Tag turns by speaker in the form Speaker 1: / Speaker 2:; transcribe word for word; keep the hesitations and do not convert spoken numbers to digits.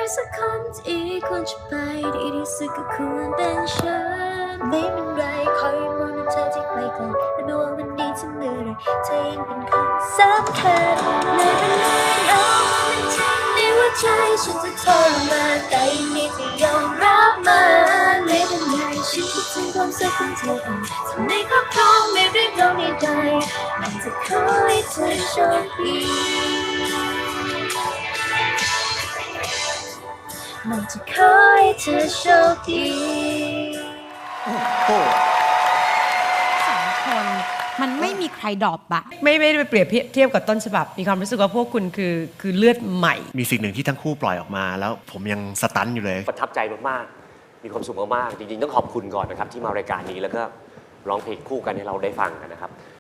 Speaker 1: สักคนที่ควรจะไปดีที่สุดก็ควรเป็นฉันไม่เป็นไรคอยมองเธอที่ไกลไกลและไม่ว่าวันนี้จะเมื่อไรเธอยังเป็นคนสำคัญไม่เป็นไรเอามันจริงในหัวใจฉันจะทรมานแต่ยังมีที่ยอมรับมันไม่เป็นไรฉันคิดถึงความสุขของเธอเองทำในครอบครองไม่เรียกร้องใดๆมันจะขอให้เธอโชคดีมันจะขอให้เธอโชคดี
Speaker 2: โอ้โห
Speaker 3: สองคนมันไม่มีใครดรอปอะ
Speaker 4: ไม่ไม่ได้ไปเปรียบเทียบกับต้นฉบับมีความรู้สึกว่าพวกคุณคือคือเลือดใหม่
Speaker 2: มีสิ่งหนึ่งที่ทั้งคู่ปล่อยออกมาแล้วผมยังสตันอยู่เลย
Speaker 5: ประทับใจมากๆมีความสุขมากๆจริงๆต้องขอบคุณก่อนนะครับที่มารายการนี้แล้วก็ร้องเพลงคู่กันให้เราได้ฟังกันนะครับ